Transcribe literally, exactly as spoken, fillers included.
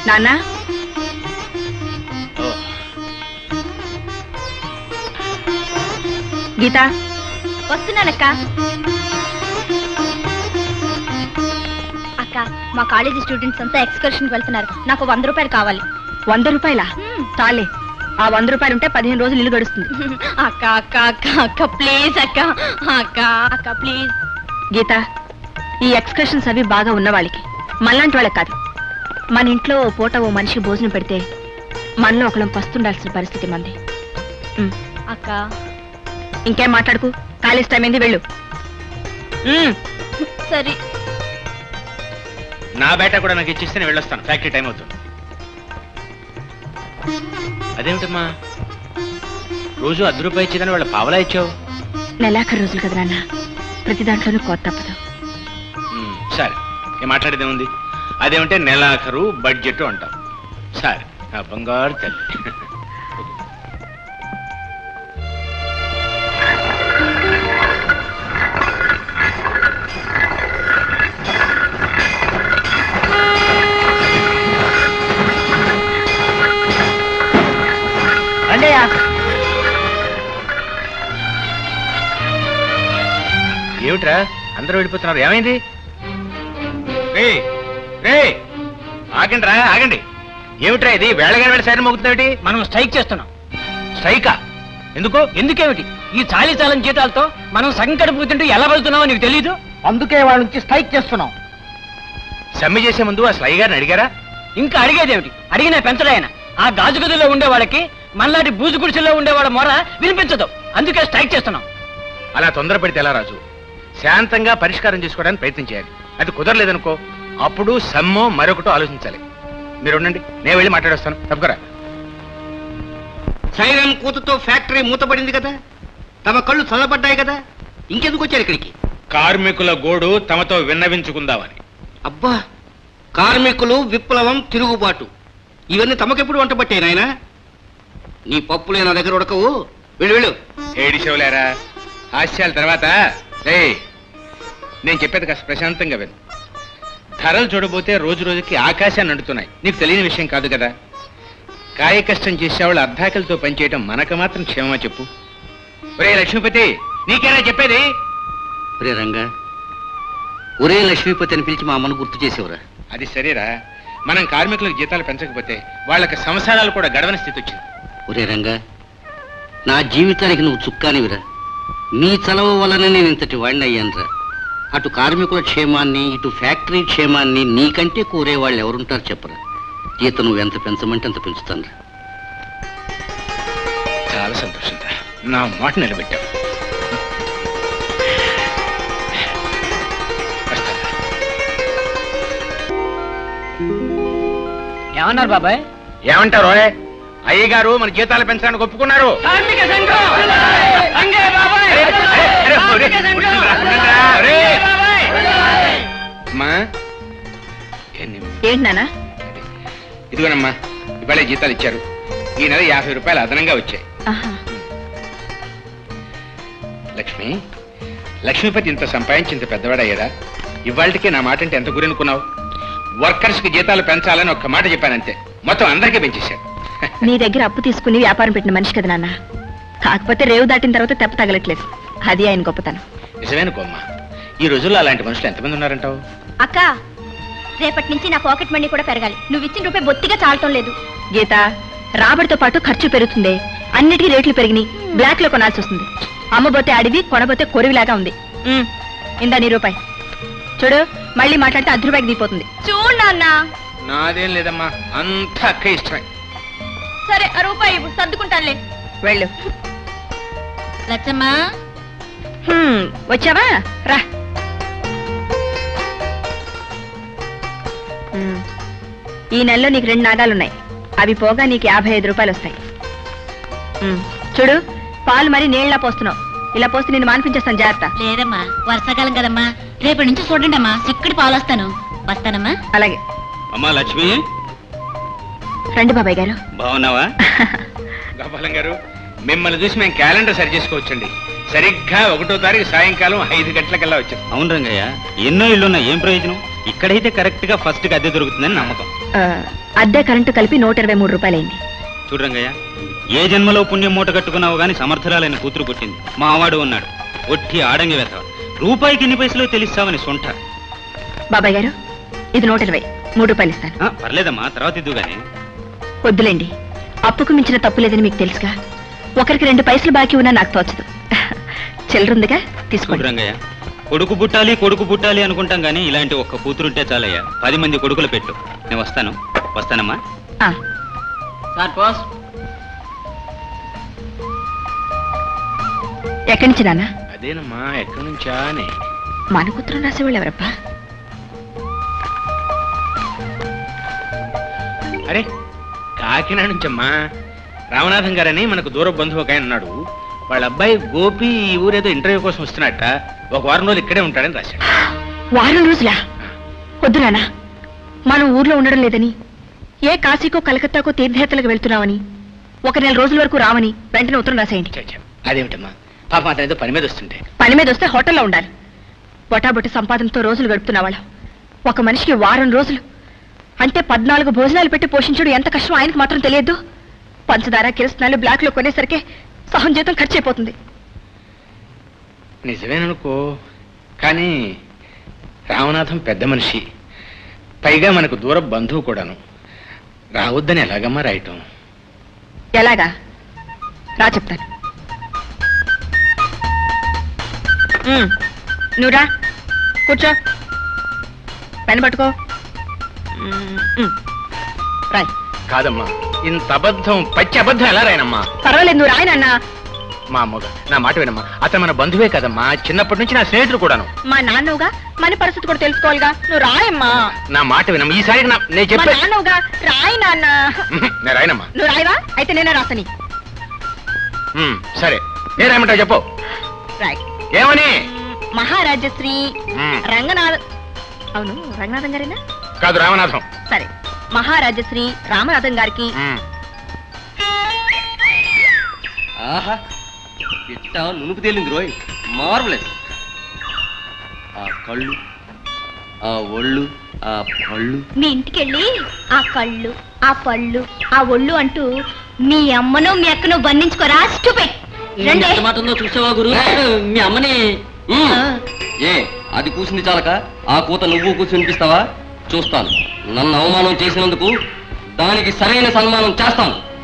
నాన్న గీత వస్తున్నానక్క. అక్క మా కాలేజీ స్టూడెంట్స్ అంతా ఎక్స్కర్షన్ వెళ్తున్నారు, నాకు వంద రూపాయలు కావాలి. వంద రూపాయలా? చాలే, ఆ వంద రూపాయలు ఉంటే పదిహేను రోజులు ఇల్లు గడుస్తుంది. అక్క అక్క అక్క అక్క ప్లీజ్ అక్క అక్క అక్క ప్లీజ్. గీత, ఈ ఎక్స్కర్షన్స్ అవి బాగా ఉన్న వాళ్ళకి, మనలాంటి వాళ్ళకి కాదు. మన ఇంట్లో ఓ పూట ఓ మనిషికి భోజనం పెడితే మనలో ఒకళ్ళం పస్తుండాల్సిన పరిస్థితి మంది. అక్క ఇంకేం మాట్లాడుకు, కాలేజ్ టైం అయింది, వెళ్ళు. సరే. నా బేట కూడా నాకు ఇచ్చిస్తే నేను వెళ్ళొస్తాను, ఫ్యాక్టరీ టైం అవుతుంది. అదేమిటమ్మా రోజు అర్ధ రూపాయి ఇచ్చేదని వాళ్ళ పావలా ఇచ్చావు? నెలాఖరు రోజులు కదా నాన్న, ప్రతి దాంట్లోనూ కోత తప్పదు. సరే, ఏం మాట్లాడేదే ఉంది. అదేమంటే నెలాఖరు బడ్జెట్ అంటాం. సరే నా బంగారు తల్లి. ఏమిట్రా అందరూ వెళ్ళిపోతున్నారు, ఏమైంది? రే రే ఆగండి రా, ఆగండి. ఏమిట్రా ఇది వేళగాని వేళ సైరన్ మోగుతుంది? మనం స్ట్రైక్ చేస్తున్నాం. స్ట్రైకా? ఎందుకు? ఎందుకేమిటి? ఈ చాలీ చాలని జీతాలతో మనం సగం కడుపుతుంటూ ఎలా వెళ్తున్నామో నీకు తెలీదు? అందుకే వాళ్ళ నుంచి స్ట్రైక్ చేస్తున్నాం. సమ్మె చేసే ముందు ఆ స్లై గారిని అడిగారా? ఇంకా అడిగేదేమిటి? అడిగినా పెంచడాయన. ఆ గాజు గదుల్లో ఉండే వాళ్ళకి మనలాంటి బూజు గుడిసెల్లో ఉండే వాళ్ళ మొర వినిపించదు, అందుకే స్ట్రైక్ చేస్తున్నాం. అలా తొందర పెడితే ఎలా రాజు? శాంతంగా పరిష్కారం చేసుకోవడానికి ప్రయత్నం చేయాలి. అది కుదరలేదనుకో అప్పుడు సమ్మో మరొకటో ఆలోచించాలి. మీరు ఉండండి, నేను వెళ్ళి మాట్లాడొస్తాను. తప్పకరా. సైరన్ కూతుతో ఫ్యాక్టరీ మూతపడింది కదా, తమ కళ్ళు చల్లబడ్డాయి కదా, ఇంకెందుకు వచ్చారు ఇక్కడికి? కార్మికుల గోడు తమతో విన్నవించుకుందామని. అబ్బా, కార్మికులు, విప్లవం, తిరుగుబాటు, ఇవన్నీ తమకెప్పుడు వంట పట్టాయి నాయనా? నీ పప్పులే నా దగ్గర ఉడకవు, వెళ్ళు వెళ్ళు. ఏడి శివలేరా, హాస్యాల తర్వాత రే నేను చెప్పేది కాస్త ప్రశాంతంగా విను. ధరలు చూడబోతే రోజు రోజుకి ఆకాశాన్ని అంటున్నాయి. నీకు తెలియని విషయం కాదు కదా. కాయ కష్టం చేసేవాళ్ళు అర్ధాకలతో పనిచేయటం మనకు మాత్రం క్షేమమా చెప్పు? ఒరే లక్ష్మీపతి, నీకేనా చెప్పేది? ఒరే రంగా, ఒరే లక్ష్మీపతి అని పిలిచి మా అమ్మను గుర్తు చేసేవరా? అది సరేరా, మనం కార్మికులకు జీతాలు పెంచకపోతే వాళ్ళకి సంసారాలు కూడా గడవని స్థితి వచ్చింది. ఒరే రంగా, నా జీవితానికి నువ్వు చుక్కానివిరా. నీ చలవ వలన నేను ఇంతటి వాడిని అయ్యానురా. అటు కార్మికుల క్షేమాన్ని, ఇటు ఫ్యాక్టరీ క్షేమాన్ని నీకంటే కోరే వాళ్ళు ఎవరుంటారు చెప్పరా? జీతం నువ్వు ఎంత పెంచమంటే అంత పెంచుతాను. చాలా సంతోషం, నా మాట నిలబెట్టావు. ఏమన్నారు బాబాయ్? ఏమంటారు? అయ్యగారు మన జీతాలు పెంచడానికి ఒప్పుకున్నారు. ఏంటి నాన్న? ఇదిగోనమ్మా, ఇవాళ జీతాలు ఇచ్చారు. ఈ నెల యాభై రూపాయలు అదనంగా వచ్చాయి. లక్ష్మి, లక్ష్మీపతి ఇంత సంపాదించి ఇంత పెద్దవాడయ్యాడా? ఇవాళకే నా మాట అంటే ఎంత గురనుకున్నావు? వర్కర్స్ కి జీతాలు పెంచాలని ఒక్క మాట చెప్పానంతే, మొత్తం అందరికీ పెంచేశాడు. నీ దగ్గర అప్పు తీసుకుని వ్యాపారం పెట్టిన మనిషి కదా నాన్న. కాకపోతే రేవు దాటిన తర్వాత తెప్ప తగలట్లేదు, అది ఆయన గొప్పతనం. నిజమేనుకోమ్మా, ఈ రోజుల్లో అలాంటి మనుషులు ఎంతమంది ఉన్నారంటావు? అక్క, రేపటి నుంచి నా పాకెట్ మనీ కూడా పెరగాలి. నువ్వు ఇచ్చిన రూపాయి బొత్తిగా చాలటం లేదు. గీత, రాబడితో పాటు ఖర్చు పెరుగుతుంది. అన్నిటికీ రేట్లు పెరిగినాయి, బ్లాక్ లో కొనాల్సి వస్తుంది. అమ్మబోతే అడివి, కొనబోతే కొరివిలాగా ఉంది. ఇందా నీ రూపాయి. చూడు, మళ్ళీ మాట్లాడితే అర్ధ రూపాయికి దిగిపోతుంది. చూడు నాన్న. నాదేం లేదమ్మా, అంత అక్క ఇష్టమే. సరే, ఆ రూపాయి సర్దుకుంటానులే, వెళ్ళు. లచ్చమ్మా, వచ్చావా? రా. ఈ నెలలో నీకు రెండు నాగాలున్నాయి, అవి పోగా నీకు యాభై ఐదు రూపాయలు వస్తాయి. చూడు, పాలు మరి నీళ్ళ పోస్తున్నావు. ఇలా పోస్తే నేను మానిపించేస్తాను, జాగ్రత్త. లేదమ్మా, వర్షాకాలం కదమ్మా, రేపటి నుంచి చూడండి అమ్మా, చిక్కడి పాలు వస్తాను. వస్తానమ్మా. అలాగే. అమ్మా లక్ష్మి, రండి బాబాయ్ గారు. బాగున్నావా? గోపాలం గారు, మిమ్మల్ని చూసి మేము క్యాలెండర్ సరి చేసుకోవచ్చండి. సరిగ్గా ఒకటో తారీఖు సాయంకాలం ఐదు గంటలకల్లా వచ్చాం. అవును రంగయ్య, ఎన్నో ఇళ్ళున్నా ఏం ప్రయోజనం? ఇక్కడైతే కరెక్ట్ గా ఫస్ట్ కి అద్దె దొరుకుతుందని నమ్మకం. ఆ, అద్దె కరెంటు కలిపి నూట ఇరవై మూడు రూపాయలైంది. చూడు రంగయ్య, ఏ జన్మలో పుణ్యం మూట కట్టుకున్నావు గాని సమర్థురాలైన కూతురు పుట్టింది. మా అవాడు ఉన్నాడు ఒట్టి ఆడంగి వెతవ. రూపాయికి ఎన్ని పైసలు తెలిస్తావని సొంట. బాబాయ్ గారు, ఇది నూట ఇరవై మూడు రూపాయలు ఇస్తాను. ఆ, పర్లేదమ్మా, తర్వాత ఇద్దు గాని. వద్దులేండి, అప్పుకు మించిన తప్పు లేదని మీకు తెలుసుగా. ఒకరికి రెండు పైసలు బాకీ ఉన్నా నాకు తోచదు. చిల్లరుందిగా, చూడు తీసుకోండి. రంగయ్య, కొడుకు పుట్టాలి కొడుకు పుట్టాలి అనుకుంటాం గానీ ఇలాంటి ఒక్క కూతురుంటే చాలయ్యా. పది మంది కొడుకులు పెట్టు. నేను వస్తాను వస్తానమ్మా. ఆ, సార్ పోస్. ఎక్కడి నుంచి నాన్న? అదేనమ్మా, ఎక్కడి నుంచా అని. మన కూతురు రాసేవాళ్ళు ఎవరబ్బా? అరే, కాకినాడ నుంచమ్మా. రామనాథం గారని మనకు దూర బంధువు ఒక ఆయన ఉన్నాడు. వాళ్ళ అబ్బాయి గోపి ఈ ఊరేదో ఇంటర్వ్యూ కోసం వస్తున్నట్ట. ఒక వారం రోజులు ఇక్కడే ఉంటాడని రాశాడు. వారం రోజులా? వద్దు నాన్న, మనం ఊర్లో ఉండడం లేదని, ఏ కాశీకో కలకత్తాకో తీర్థయాత్రలకు వెళ్తున్నామని, ఒక నెల రోజుల వరకు రావని వెంటనే ఉత్తరం రాసేయండి. ఛే, ఛే, అదేమిటమ్మా, పాపం అతను ఏదో పని మీద వస్తుంటే. పని మీద వస్తే హోటల్లో ఉండాలి. బొటాబొట్టి సంపాదనతో రోజులు గడుపుతున్న వాళ్ళం. ఒక మనిషికి వారం రోజులు అంటే పద్నాలుగు భోజనాలు పెట్టి పోషించడం ఎంత కష్టం ఆయనకు మాత్రం తెలియదు. పంచదార కిరసనాలు బ్లాక్ లో కొనేసరికి సహం జీతం ఖర్చు అయిపోతుంది. నిజమేననుకో, కానీ రామనాథం పెద్ద మనిషి, పైగా మనకు దూర బంధువు కూడాను. రావద్దని ఎలాగమ్మా రాయటం? ఎలాగా? రా చెప్తాను. ఉమ్, నువ్వు రా, కూర్చో, పెన్ పట్టుకో. ఉమ్, ఉమ్, రాయ్. కాదమ్మా, ఇంత అబద్ధం, పచ్చి అబద్ధం ఎలా రాయనమ్మా? పర్వాలేదు, నువ్వు రాయనన్నా. మా అమ్మగా నా మాట వినమ్మా, అతను మన బంధువే కదమ్మా, చిన్నప్పటి నుంచి నా స్నేహితుడు కూడాను. మా నాన్నవుగా మన పరిస్థితి కూడా తెలుసుకోవాలిగా. నువ్వు రాయమ్మా. నా మాట వినమ్మా, ఈసారి నా- నేను మా చెప్పే నాన్నవుగా రాయి నాన్న. ఉహు, నేను రాయనమ్మా. నువ్వు రాయవా? అయితే నేనే రాసని. ఉమ్, సరే, ఏ రాయమంటావు చెప్పు. రాయ్. ఏమని? మహారాజశ్రీ ఉమ్, రంగనాథ, అవును రంగనాథం గారేనా? కాదు, రామనాథం. సరే, మహారాజశ్రీ రామనాథం గారికి ఉమ్, ఆహా, ఇట్ట నునుపు తేలింది రోయ్, మార్వలెస్. ఆ కళ్ళు, ఆ ఒళ్ళు, ఆ పళ్ళు. మీ ఇంటికెళ్ళి ఆ కళ్ళు, ఆ పళ్ళు, ఆ ఒళ్ళు అంటూ మీ అమ్మను మీ అక్కను బంధించుకోరా. స్టూపిడ్. రండి. ఎంత మాట ఉందో చూసావా గురు? మీ అమ్మని ఉమ్. ఏ అది కూసింది చాలక ఆ కూత నువ్వు కూర్చుని వినిపిస్తావా? చూస్తాను. నన్ను అవమానం చేసినందుకు దానికి సరైన సన్మానం చేస్తాను.